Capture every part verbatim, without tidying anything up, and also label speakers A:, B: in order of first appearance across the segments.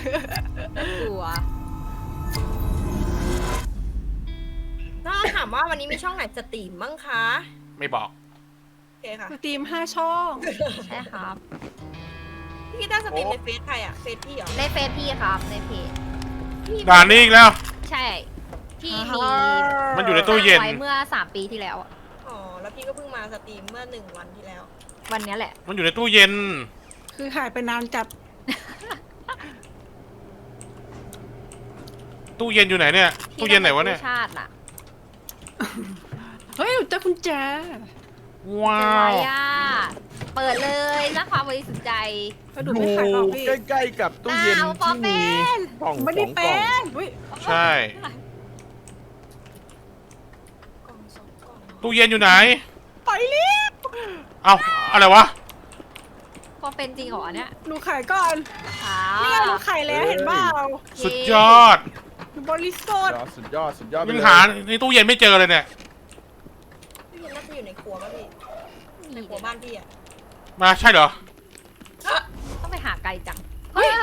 A: กลัว
B: ถ้าถามว่าวันนี้มีช่องไหนสตรีมบ้างคะ
C: ไม่บอก
B: โอเคค่ะ
D: สตรีมห้าช่อง
A: ใช่ครับ
B: พี่กีต้าร์สตรีมในเฟซใครอะเฟซพี่เหรอ
A: ในเฟซพี่ครับในเพจ
B: พี่
C: ด่านนี้อีกแล้ว
A: ใช่ที่มี
C: มันอยู่ในตู้เย็น
A: ไว้เมื่อสามปีที่แล้วอะ
B: อ๋อแล้วพี่ก็เพิ่งมาสตรีมเมื่อหนึ่งวันที่แล้ว
A: วันเนี้ยแหละ
C: มันอยู่ในตู้เย็น
D: คือหายไปนานจัด
C: ตู้เย็นอยู่ไหนเนี่ย ตู้เย็นไหนวะเนี่ย
A: ชาติน่ะ
D: เฮ้ยเจอคุณแจ
C: ว้า
A: เจออะไร
C: ว
A: อ่ะเปิดเลยสร้างความบริสุทธิ์ใจ
D: กระดูกไม่ขายหรอกพี่
E: ใกล้ๆกับตู้เย็น
A: อ้าวปอ
E: ที่
A: เป็
E: มี
A: น
E: กล่อง
D: ไม่
E: ส
D: ได้
E: องก
D: เป็
E: ล่อง
D: นอุ้ย
C: ใช่
B: กล่องสองกล่อง
C: ตู้เย็นอยู่ไหน
D: ไปเรีบ
C: เอ้าอะไรวะ
A: พอเป็นจริงเหรอเนี่ย
D: หนูขายก่อน
A: ค่ะ
D: นี่ไงหนูขายแล้วเห็นเปล่า
C: สุดยอด
D: หนูบริสุทธิ์
E: สุดยอดสุดยอดไป
C: ยัง
E: เลย
C: หาในตู้เย็นไม่เจอเลยเนี่ย
B: พี่น่าจะอยู่ในครัวป่ะพี่ในครัวบ้านพี่อะ
C: มาใช่เหรอ
A: ต้องไปหาไกลจังเฮ้ย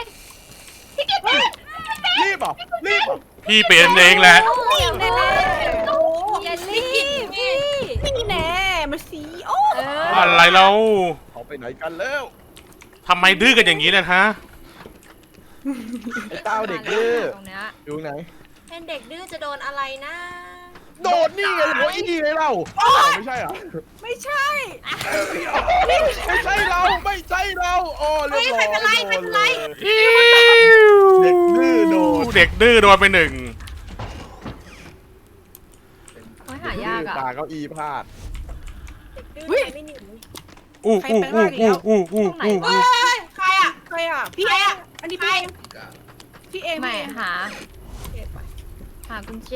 E: รีบเหรอ่ะรีบเหรอ่ะ
C: พี่เป็นเองแหละ
A: นี่แน่
B: โอ้
A: ๆอย่ารีบพี่
D: นี่แน่มาสีโอ้
A: เออ
C: อะไรเรา
E: เขาไปไหนกันแล้ว
C: ทำไมดื้อกันอย่างนี้เนะฮะ
E: ไอ้เต้าเด็กดื้อ
A: ตรงเนี้ย
E: อยู่ไหน
B: เป็นเด็กดื้อจะโดนอะไรนะ
E: โดดนี่ไงหัวอีนี่ไงเราไม่ใช่เหรอ
D: ไม่ใช่
E: ไม่ใช่เราไม่ใช่เราโอ้เรียบร้อย
B: ไม่เป็นไรไม่เป็นไร
E: เด็กดื้อโดด
C: เด็กดื้อโดนไปหนึ่ง
A: โอ้ยหายากอ่ะ
E: ตาเก้าอี้พลาด
B: เด็กดื้อใครไม่หนี
C: อู้อู้อู้อู้อู้อู้อู้
B: เฮ้ยใครอะ
D: ใครอ่ะพี่เองอันนี้พี่เองพี่เอง
A: ไม่
D: พี่เอง
A: หา
B: โอเคไป
A: หากุญแจ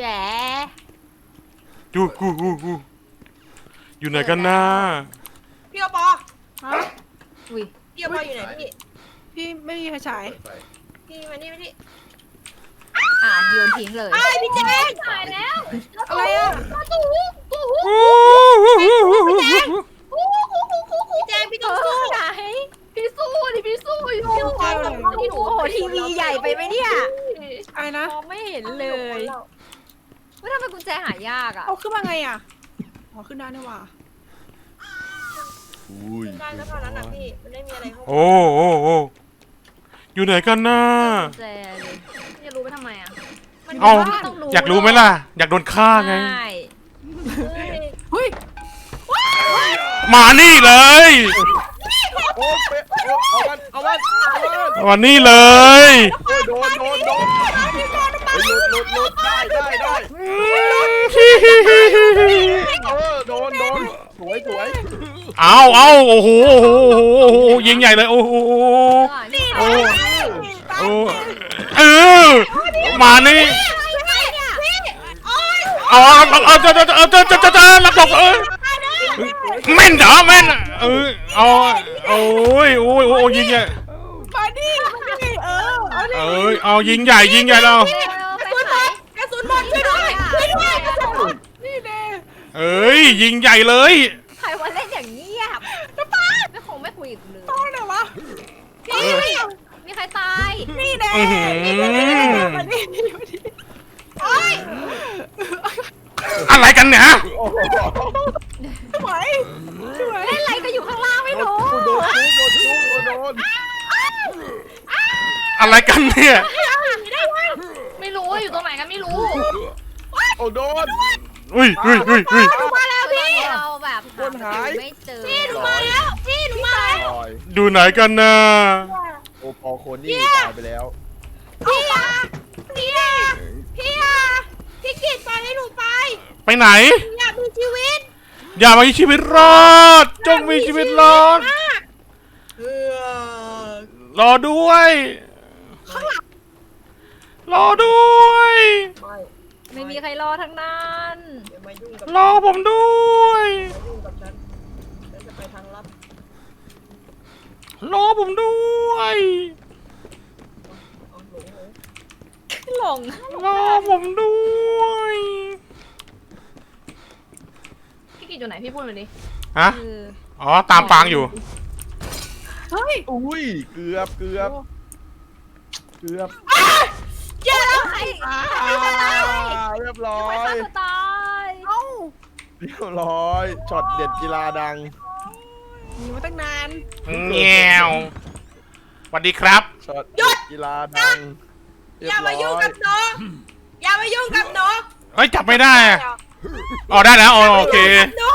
C: อู้อู้อู้อู้อยู่ไหนกันนะ
B: พี่โอปอ
D: ฮะ
A: อุ้ย
B: พี่โอปออยู่ไหนพี่
D: พี่ไม่มีไฟฉาย
B: พี่มานี่มานี่
A: อ่ะโยนทิ้งเลย
B: ไอ้พี่แจง
A: ตายแล้ว
D: อะไรอ่ะ
A: ตู้หูตู้หู
C: อู้อู้อู้อู้อู้
B: พี่แจงพี่
A: เอ
B: ต้องสู้
A: อไหนพี่สู้ดิพี่สู้อยู่
B: พี่โอปอกับ
A: โอ้โหทีวีใหญ่ไปไหมเนี่ย
D: อะไรนะ
A: มองไม่เห็นเลยว่าทำไมกุญแจหายากอ่ะ
D: เอาขึ้นมาไงอ่ะอ๋อขึ้นได้นี่หว่า
E: อุ้ย
B: ได้ก็เท่านั้นนะพี่มันไม่มีอะไรเข้า
C: โอ้โอ้โอ้อยู่ไหนกันนะ
A: กุญแจเลยจะรู้ไปทำไมอ่ะ
B: มัน
C: เอา
B: บ้าน
A: ต้องรู้
C: อยากรู้ไหมล่ะ อยากโดนฆ่าไง
A: ใช่
B: เฮ้ย
D: เฮ้ย
C: มานี่เลย
E: โอ้เป๊ะโอ้เอามันเอามันเอามัน
C: มานี่เลย
E: โอ้ยโดนโดนโดนเฮ้ยหลุดหลุดหลุดได้ได้ได้เออโดนโดนสวยสวย
C: เอาเอาโอ้โหโอ้โหโอ้โหโอ้โหยิงใหญ่เลยโอ้โห
A: นี่
C: โอ้โอ้เออมานี่เอาเอาเอาเจอเจอเจอเจอเจอเจอรับบอกเออแม่นเหรอแม่นเออเอาโอ้ยโอ้ยโอ้ยยิงใหญ่
D: มาดิมาดิเออเอาดิ
C: เอ้ยเอายิงใหญ่ยิงใหญ่เรา
A: ไปไหน
B: กระสุนหมดช่วยด้วยช่วยด้วยกระสุนหมด
D: นี่แน่
C: เอ้ยยิงใหญ่เลย
A: ใครว่าเล่นอย่างเงียบน้ำป้าไม่คงไม่คุยกับเลย
D: ต้องไหนวะ
A: พี่มีใครตาย
D: นี่แน่
C: อื้อหือ
D: มาดิมาดิ
B: โอ้ย
C: อะไรกันเนี่ย
E: โอ้โห
D: สวยสวย
A: เล่นอะไรก็อยู่ข้างล่างไม่รู้
E: โดนจุ๊บโดนจุ๊บโดน
C: อะไรกันเนี่ย
A: ไม่รู้อยู่ตรงไหนกันไม่รู้
E: โอ้โดน
C: อุ้ยอุ้ยอุ้ยอุ้ย
A: มาแล้วพี่เราแบบ
E: คนหาย
A: ไม่เจอ
B: พี่หนูมาแล้วพี่หนูมาแล้ว
E: ลอย
C: ดูไหนกันนะ
E: โอปอโคนี่ตายไปแล้ว
B: พี่อะพี่อะพี่อะพี่กิดปล่อยให้หนูไป
C: ไปไหน
B: อยากมีชีวิต
C: อย่ามามีชีวิตรอด จงมีชีวิตรอด
B: เออ
C: รอด้วยรอด้วย
B: ไม่
A: ไม่มีใครรอทั้งนั้น
B: อย่ามายุ่งกับ
C: รอผมด้วย
B: อย่ายุ่งกับฉันฉันจะไปทางลับ
C: รอผมด้วย
B: เอาหลงหลง
A: หลง
C: รอผมด้วย
A: พี่กิจอยู่ไหนพี่พูดมาดิ
C: ฮะ
A: คือ
C: อ๋อตามฟางอยู่
D: เฮ้ย
E: อุ้ยเกือบเกือบเกือบ
B: เจ๊แล้วใคร
E: อ่าเรียบร้อ
A: ไม่
E: ย
A: ฆ่าตัวตาย
D: เอ้า
E: เรียบร้อยช็อตเด็ดกีฬาดัง
D: หนีมาตั้งนาน
C: แง่วสวัสดีครับ
E: ช็อตเด็ดกีฬาดังเรี
B: อย่า
E: บร้
B: มายุ่งกับหนูอย่ามายุ่งกับหนู
C: เฮ้ยจับไม่ได้อะอ๋อได้แล้วอ๋อโอเค
B: หนู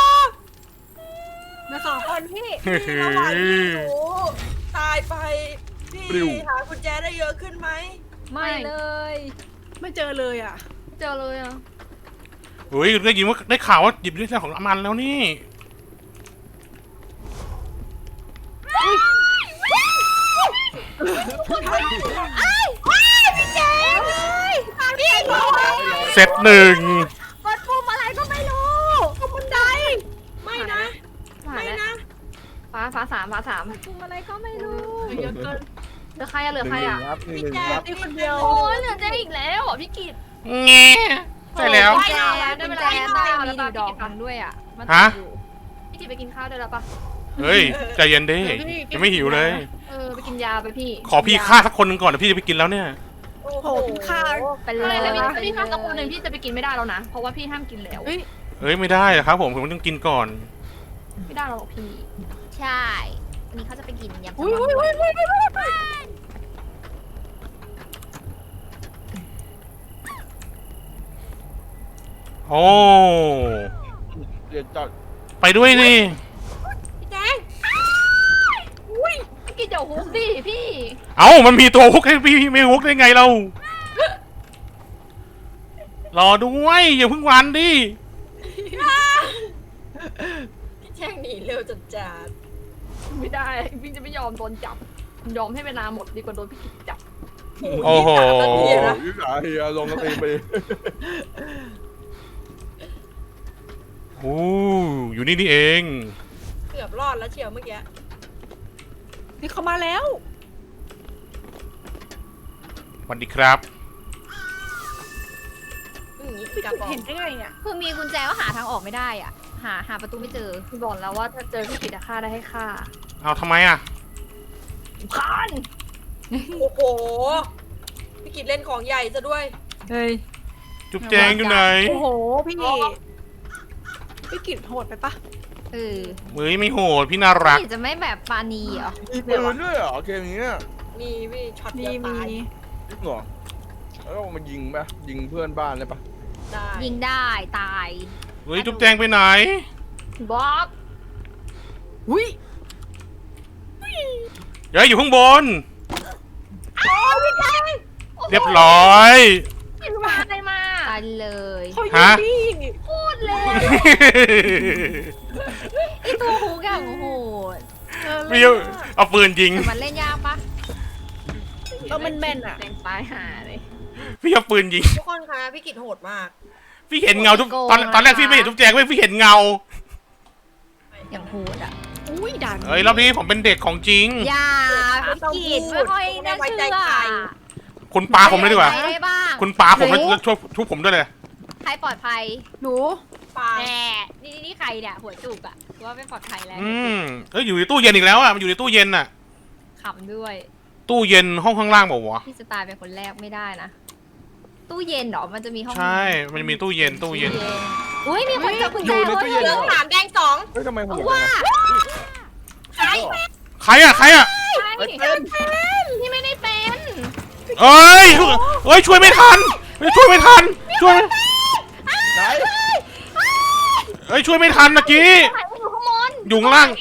D: มาสองคนพี่
B: ระหว่างที่หนูตายไปพี่หากุญแจได้เยอะขึ้นไหม
A: ไม่เลย
D: ไม่เจอเลยอ่ะ
A: เจอเลยอ่ะ
C: เฮ้ยได้ยินว่าได้ข่าวว่าหยิบได้ของอามันแล้วนี่
B: พี่เจมพี่หนู
C: เซตหนึ่ง
A: กดปุ่มอะไรก็ไม่รู้
B: ขบันไดไม่นะ
A: หา
B: ไม่
A: แล้ว
B: นะ
A: ฟ้าฟ้าสามฟ้าสามปุ่มอะไรก็ไม่รู้
D: เยอะเกิน
A: เหลือใครอะเหลือ
E: ห
A: ใคร
E: นึ่ง
A: อะ
E: ครับหนึ่ง
B: พี่แจ
E: ครับ
B: พี่คนเดียว
A: โอ้ยเหลือเจ๊อีกแล้วอ่ะพี่กิต
C: แง่ใช่แล้ว
A: กุญแจได้เวลาต้ามีอยู่ดอกหนึ่งด้วยอ่ะมันต
C: ฮะ
A: กอยู่พี่กิตไปกินข้าวได้แล้วปะ
C: เฮ้ยใจเย็นดิยังไม่หิวเลย
A: เออไปกินยาไปพี่
C: ขอพี่ฆ่าสักคนหนึ่งก่อนเดี๋ยวพี่จะไปกินแล้วเนี่ย
B: โอ้
D: โหพี่ข้าว
A: ไปเลยแล้วพี่พี่ข้าวสักคนหนึ่งพี่จะไปกินไม่ได้แล้วนะเพราะว่าพี่ห้ามกินแล้ว
D: เฮ้ย
C: เฮ้ยไม่ได้อะครับผมผมต้องกินก่อน
A: ไม่ได้หรอกพี่ใช่วันนี้เขาจะไปกินยำ
D: อุ้ยอุ้ยอุ้ยอุ้ยอุ้ย
C: โอ้
E: เดี๋ยวจอด
C: ไปด้วยนี่
B: พี่แจง
A: อุ้ยพี่กินเดี๋ยวฮุกดิพี่
C: เอ้ามันมีตัวฮุกให้พี่ไม่ฮุกได้ไงเรารอด้วยอย่าเพิ่งวันดิ
B: พี่แจงหนีเร็วจัดจัด
A: ไม่ได้พี่จะไม่ยอมโดนจับยอมให้เวลาหมดดีกว่าโดนพี่กิตจับ
C: โอ้โห
E: โอ้ยยิ่งหาเฮียลงกระตีไป
C: โอ้อยู่นี่นี่เอง
B: เกือบรอดแล้วเชียวเมื่อกี้
D: นี่เขามาแล้ว
C: สวัสดีครับ
B: อย่างนี้
D: พี่
B: กลับ
D: กิต
B: บอก
D: เห็นได้ไงอ่ะ
A: คือมีกุญแจว่าหาทางออกไม่ได้อ่ะ หาหาประตูไม่เจอพี่บอกแล้วว่าถ้าเจอพี่กิตจะฆ่าได้ให้ฆ่า
C: เอาทำไมอ่ะ
A: คาน
B: โอ้โหพี่กิจเล่นของใหญ่ซะด้วย
D: เฮ้ย
C: จุ๊บแจงอยู่ไหน
D: โอ้โหพี่พี่กิตโหดไปปะ
A: เออ
C: เฮ้ยไม่โหดพี่น่ารัก
A: พี่จะไม่แบบปานีเหรอ
E: มีปืนด้วยเหรอเกมนี้เนี่ย
B: มีพี่ช็อต
D: มี
B: เดียว
D: มี
B: ตาย
E: จริงเหรอแล้วเอามายิงปะยิงเพื่อนบ้านเลยปะ
B: ได้
A: ยิงได้ตาย
C: เฮ้ยจุ๊บแจงไปไหน
A: บ๊อบ
D: อุ้ย
C: เดี๋ยวอยู่ข้างบน
B: โอ้พี่แจง
C: เรียบร้อย
A: ยิงมาอะไรมาตายเลย
D: เขายิง
C: ฮะ
D: พี่
A: พูดเลยไอตัวหูกับโอ้โห
D: เออ
C: พี่เอาปืนยิง
A: แต่มันเล่นยากปะ
D: เออมันแม่นอ่ะ
A: เต็มตายหาเลย
C: พี่เอาปืนยิง
B: ทุกคนคะพี่กิจโหดมาก
C: พี่เห็นเงาทุกตอนตอนแรกพี่ไม่เห็นจุ๊บแจงเว้ยพี่เห็นเงา
A: อย่างโหดอ่ะ
D: อุ้ยด่าน
C: เฮ้ยรอบนี้ผมเป็นเด็กของจริง
A: อย่าพี่กิตไม่ค่อยน่าเชื่อ
C: คุณปาผมเลยดีกว่า
A: ใครได้บ้าง
C: คุณปาผมแล้วช่วยทุบผมด้วยเลย
A: ใครปลอดภัย
D: หนู
B: ปา
A: แหมนี่นี่ใครเนี่ยหัวจุกอะว่าไม่ปลอดภัยแล้ว
C: อืมเอ้ยอยู่ในตู้เย็นอีกแล้วอ่ะมันอยู่ในตู้เย็นอ่ะ
A: ขำด้วย
C: ตู้เย็นห้องข้างล่างบอกวะ
A: พี่สตาร์เป็นคนแรกไม่ได้นะ ตู้เย็นเหรอมันจะมีห้อง
C: ใช่ มันมีตู้เย็นตู้เย็น
A: อุ้ยมีคนจับกุญแจ
E: อยู่ในตู้เย็น
B: เห
E: เห
B: ลื
E: ร
B: องสามแดงสอง
E: เฮ้ยทำไมผม
A: ว่า
B: ใช่
C: ใครอ่ะใครอ่ะ
A: ใช่พี่ไม่ได้เป็น
C: เอ้ยเอ้ยช่วยไม่ทันช่วยไม่ทันช่วย
E: ไหน
C: เอ้ยช่วยไม่ทันเมื่อกี้
A: ใครอยู่ข้างบน
C: อยู่ข้างล่าง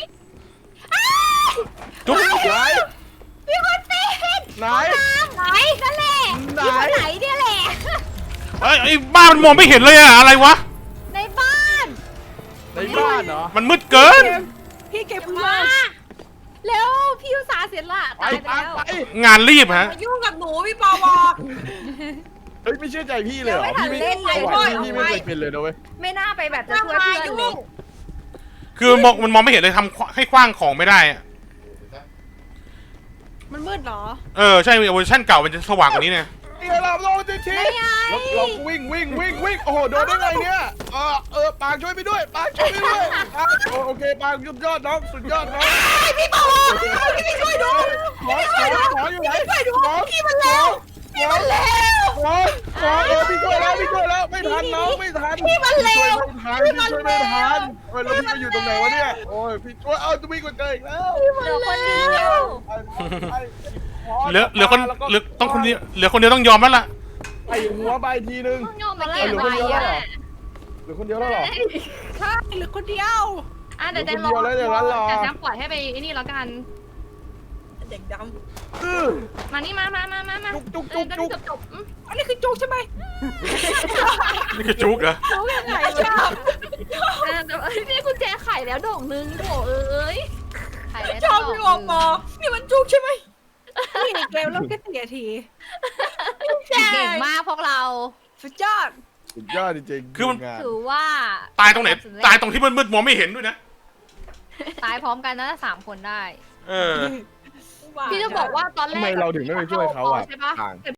C: จุ๊บ
E: ไหน
A: พี่คนเป็น
E: ไหน
A: ไหนนั่นแหละ
E: ไหน
A: ที่คนไหนเนี่ยแหละ
C: เอ้ยไอ้บ้านมันมองไม่เห็นเลยอะอะไรวะ
A: ในบ้าน
E: ในบ้านเหรอ
C: มันมืดเกิน
D: พี่เก็บเพื่
B: มา
D: อน
A: แล้วพี่อุตสาห์เสียละ
E: ไป
A: ตายไป
E: ตาม
A: แล้ว
E: ไป
C: งานรีบฮะ
B: มายุ่งกับหนูพี่ปอวอ
E: เฮ้ยไม่เชื่อใจพี่เลยเหรอ
A: ยังไม่ทัน
E: พี่ไม่
A: เล่นเลย
E: ไหวพี่ไม่เคยเป็นเลยนะเว้ย
A: ไม่น่าไปแบบจะ
B: จะ
A: ช่วย
B: มา
A: เพื่อน
B: ยุ่
A: เลย
B: ง
C: คือมองมันมองไม่เห็นเลยทำให้คว้างของไม่ได้อะ
D: มันมืดเหรอ
C: เออใช่เวอร์ชันเก่ามันจะสว่างกว่านี้เนี่ย
D: ไอ
E: นี่เราโดนทีทีเราเราวิ่งวิ่งวิ่งวิ่งโอ้โหโดนได้ไงเนี่ยเออเออปางช่วยไปด้วยปางช่วยไปด้วยโอเคปางสุดยอดน้องสุดยอดน้อง
B: พี่บอกพี่ช่วยดู
E: ขอขอขออยู่ไหน
B: ช่วยดู
E: ขอ
B: พี่มันเร็วพี่มันเร็ว
E: ขอขอเออพี่ช่วยแล้วพี่ช่วยแล้วไม่ทันน้องไม่ทัน
B: พี่มันเร็ว
E: พี่ช่วยไม่ทันพี่ช่วยไม่ทันเฮ้ยแล้วพี่ไปอยู่ตรงไหนวะเนี่ยโอ้ยพี่ช่วยเอาจะวิ่งกว่าเจออีกแล้ว
A: เหลือคนเดียว
C: เหลือเหลือคนเหลือต้องคนเดียวเหลือคนเดียวต้องยอมแล้วล่ะ
E: ไอ้หัวไปทีนึง
A: ต้องยอมมา
E: เห
A: แก้
E: ลือ
A: ไป
E: คนเดียวแล้วเหรอ
A: อ่ะ
E: เหลือคนเดียวแล้วเหรอ
B: ใช่เหลือคนเดียว
A: อ่ะเดี๋ยวแจงรอ
E: เหลือคนเดียวแล้วเดี๋ยวงั้นรอ
A: แต่แจงปล่อยให้ไปไอ้นี่แล้วกัน
B: เด็กด
E: อื้อ
A: มานี่มามามามามา
E: จุกจุกจุกจุก
A: จบจบๆอืม
B: ำอันนี้คือจุกใช่ไหม
C: นี่คือจุกเหรอ
B: จุกยังไงชอบ
A: อ่ะเดี๋ยวเอ้ยนี่กุญแจไขแล้วดอกนึงโถเอ้ยไขแล้ว
B: ชอบ
A: ดก
B: พี่ออกมานี่มันจุกใช่ไหมนี่เกมเริ่มแค่สี่นาที
A: เก่งมากพวกเรา
B: สุดยอด
E: สุดยอดจริงๆ
C: คือมัน
E: งาน
A: ถือว่า
C: ตายตรงไหนตายตรงที่มืดๆมองไม่เห็นด้วยนะ
A: ตายพร้อมกันนะสามคนได้
C: เออ
A: พี่จะบอกว่าตอนแรก
E: ทำไมเราถึงไม่ไปช่วยเขาอ่ะ
A: ใช่ปะ
E: ต่าง